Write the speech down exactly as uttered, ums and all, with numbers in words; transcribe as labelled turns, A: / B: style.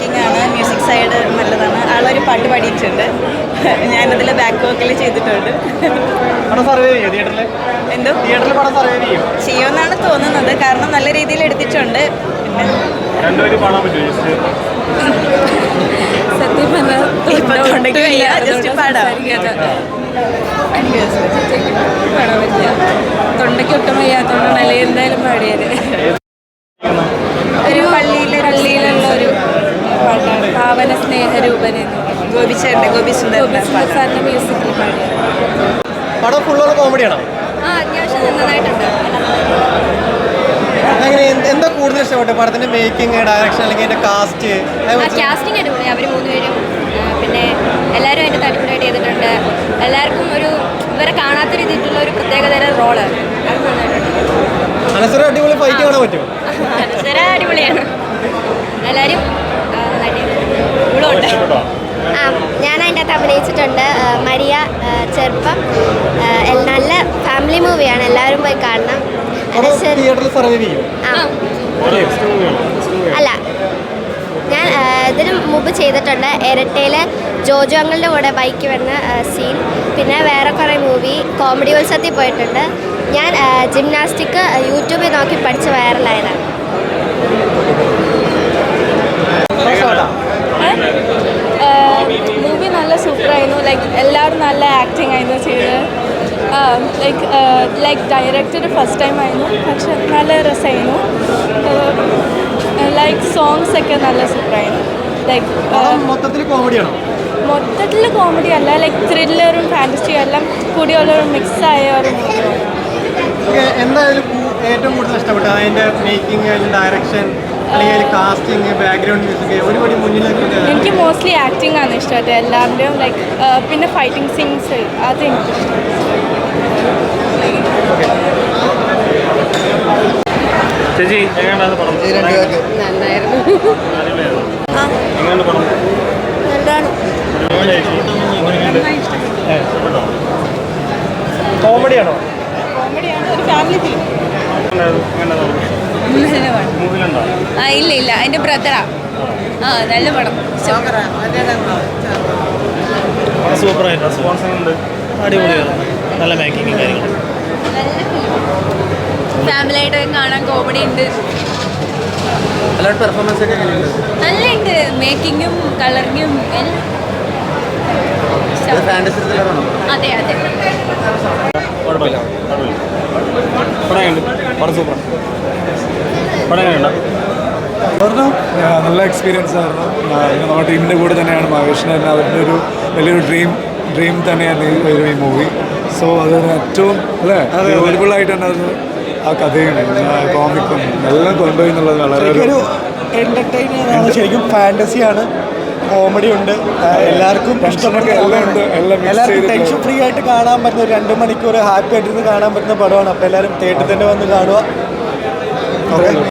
A: Making ആണ്, music side നല്ലതാണ്. ആളൊരു പാട്ട് പാടിയിട്ടുണ്ട്, ഞാനതിൽ ബാക്ക് വോക്കൽ ചെയ്തിട്ടുണ്ട്. എന്തോ ചെയ്യുമെന്നാണ് തോന്നുന്നത്, കാരണം നല്ല രീതിയിൽ എടുത്തിട്ടുണ്ട്.
B: സത്യം പറഞ്ഞാൽ
A: ജസ്റ്റ് പാടാം.
B: തൊണ്ടയ്ക്ക് ഒട്ടും വയ്യാത്തതുകൊണ്ടാണ് അല്ലെങ്കിൽ എന്തായാലും പാടിയത്.
A: ഒരു പള്ളിയിലെ
B: പള്ളിയിലുള്ള ഒരു പാട്ടാണ്, പാവന സ്നേഹരൂപനെ
A: ഗോപിച്ചേട്ടൻ്റെ ഗോപി സുന്ദർ
B: സാറിൻ്റെ മ്യൂസിക്കിൽ പാടിയത്.
C: പടം ഫുള്ളുള്ള കോമഡിയാണോ?
B: ആ, അത്യാവശ്യം നന്നായിട്ടുണ്ട്.
C: അങ്ങനെ എന്താ കൂടുതൽ ഇഷ്ടപ്പെട്ടത് പടത്തിന്റെ മേക്കിംഗ്, ഡയറക്ഷൻ, അല്ലെങ്കിൽ അതിന്റെ കാസ്റ്റ്?
B: കാസ്റ്റിംഗ് അടിപൊളി, അവർ മൂന്നുപേരും. പിന്നെ എല്ലാവരും അതിൻ്റെ അടിപൊളിയായിട്ട് ചെയ്തിട്ടുണ്ട്. എല്ലാവർക്കും ഒരു ഇവരെ കാണാത്ത രീതിയിലുള്ള ഒരു പ്രത്യേകതരം റോള്, അത് നന്നായിട്ടുണ്ട്.
C: അനശ്വര അടിപൊളി ഫൈറ്റ് കാണാൻ പറ്റുമോ?
B: അനശ്വര അടിപൊളിയാണ്, എല്ലാവരും നന്നായിട്ട്.
D: ആ, ഞാൻ അതിൻ്റെ അകത്ത് അഭിനയിച്ചിട്ടുണ്ട്. മരിയ ചെറുപ്പം നല്ല ഫാമിലി മൂവിയാണ്, എല്ലാവരും പോയി കാണണം. അല്ല, ഞാൻ ഇതിന് മുമ്പ് ചെയ്തിട്ടുണ്ട്. ഇരട്ടയിൽ ജോജോ അങ്കിളിൻ്റെ കൂടെ ബൈക്ക് വരുന്ന സീൻ, പിന്നെ വേറെ കുറേ മൂവി കോമഡി ഉത്സവത്തിൽ പോയിട്ടുണ്ട്. ഞാൻ ജിംനാസ്റ്റിക് യൂട്യൂബിൽ നോക്കി പഠിച്ച് വൈറലായതാണ്.
B: മൂവി നല്ല സൂപ്പറായിരുന്നു. ലൈക്ക് എല്ലാവരും നല്ല ആക്ടിങ് ആയിരുന്നു ചെയ്തത്. Like like directed first time ആയിരുന്നു, പക്ഷെ നല്ല രസമായിരുന്നു. ലൈക്ക് സോങ്സ് ഒക്കെ നല്ല സൂപ്പറായിരുന്നു. ലൈക്ക്
C: മൊത്തത്തിൽ കോമഡിയാണോ?
B: മൊത്തത്തിൽ കോമഡി അല്ല, ലൈക്ക് ത്രില്ലറും ഫാൻറ്റസിയും എല്ലാം കൂടിയുള്ള ഒരു മിക്സ് ആയ ഒരു മൂവിയാണ്.
C: എന്തായാലും ഏറ്റവും കൂടുതൽ ഇഷ്ടപ്പെട്ടത് അതിൻ്റെ മേക്കിംഗ്, ഡയറക്ഷൻ, അല്ലെങ്കിൽ കാസ്റ്റിംഗ്, ബാക്ക്ഗ്രൗണ്ട് മ്യൂസിക്, ഒരുപാട് മുന്നിലേക്ക്?
B: എനിക്ക് മോസ്റ്റ്ലി ആക്ടിങ് ആണ് ഇഷ്ടമായിട്ട് എല്ലാവരുടെയും. ലൈക്ക് പിന്നെ ഫൈറ്റിംഗ് സീൻസ്, അത് എനിക്കിഷ്ടം.
E: ചേച്ചി എങ്ങനെയാണ് പടം?
B: നന്നായിരുന്നു.
C: കോമഡിയാണോ?
B: കോമഡിയാണ്, ഒരു ഫാമിലി ഫിലിം. ആ, ഇല്ല ഇല്ല, എൻ്റെ ബ്രദറാ. ആ, നല്ല പടം.
E: സൂപ്പറായിട്ട് റെസ്പോൺസ് അടിപൊളിയാണ്, നല്ല മേക്കിങ്ങും കാര്യങ്ങളും.
B: നല്ല ഫിലിം, ഫാമിലി ആയിട്ട് കാണാൻ കോമഡി ഉണ്ട്.
C: പെർഫോമൻസ് ഒക്കെ
B: നല്ല ഉണ്ട്, മേക്കിങ്ങും കളറിങ്ങും എല്ലാം. അതെ അതെ
F: നല്ല എക്സ്പീരിയൻസ് ആയിരുന്നു. നമ്മുടെ ടീമിൻ്റെ കൂടെ തന്നെയാണ് മഹേഷിന് തന്നെ, അവരുടെ ഒരു വലിയൊരു ഡ്രീം ഡ്രീം തന്നെയാണ് ഈ മൂവി. സോ അതൊരു ഏറ്റവും അല്ലേ അവൈലബിളായിട്ട് തന്നെ അത് ആ കഥയും കോമിക്കും എല്ലാം കൊണ്ടുപോയി എന്നുള്ളത് വളരെ ഒരു
C: എന്റർടൈനിങ് ആണ്. ശരിക്കും ഫാന്റസിയാണ്, കോമഡി ഉണ്ട്, എല്ലാവർക്കും
F: ടെൻഷനൊക്കെ എല്ലാം ഉണ്ട്, എല്ലാം
C: എല്ലാവർക്കും ടെൻഷൻ ഫ്രീ ആയിട്ട് കാണാൻ പറ്റുന്ന ഒരു രണ്ട് മണിക്കൂർ ഹാപ്പി ആയിട്ടിരുന്ന് കാണാൻ പറ്റുന്ന പടമാണ്. അപ്പോൾ എല്ലാവരും തിയേറ്ററിൽ തന്നെ വന്ന് കാണുക.